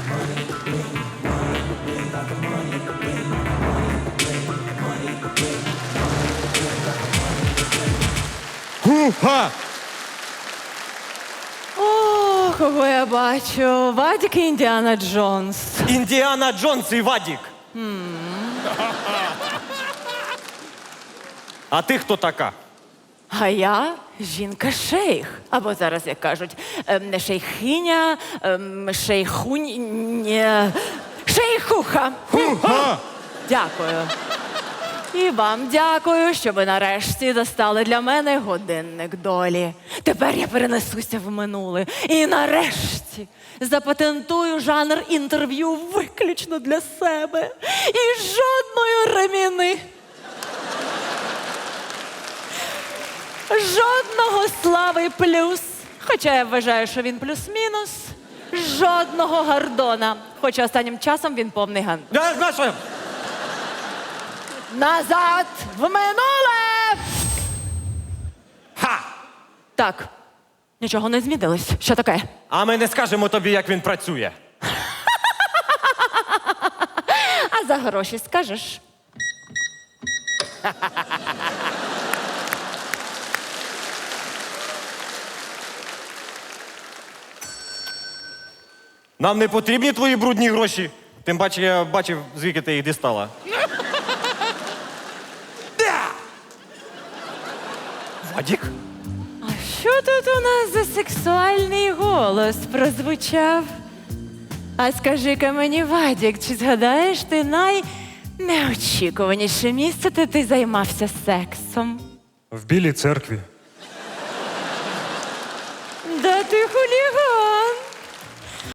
Ха! О, кого я бачу. Вадік і Індіана Джонс. Індіана Джонс і Вадік. А ти хто така? А я жінка-шейх. Або зараз, як кажуть, не шейхиня, шейхуха. Дякую. І вам дякую, що ви нарешті достали для мене годинник долі. Тепер я перенесуся в минуле. І нарешті запатентую жанр інтерв'ю виключно для себе. І жодної реміни. Жодного Слави плюс. Хоча я вважаю, що він плюс-мінус. Жодного Гордона. Хоча останнім часом він повний ган. Я знаю. Назад в минуле! Ха! Так, нічого не змінилось. Що таке? А ми не скажемо тобі, як він працює. А за гроші скажеш? Нам не потрібні твої брудні гроші. Тим паче, я бачив, звідки ти їх дістала. Вадік? А що тут у нас за сексуальний голос прозвучав? А скажи-ка мені, Вадік, чи згадаєш ти найнеочікуваніше місце, де ти займався сексом? В Білій церкві. Да ти хуліган!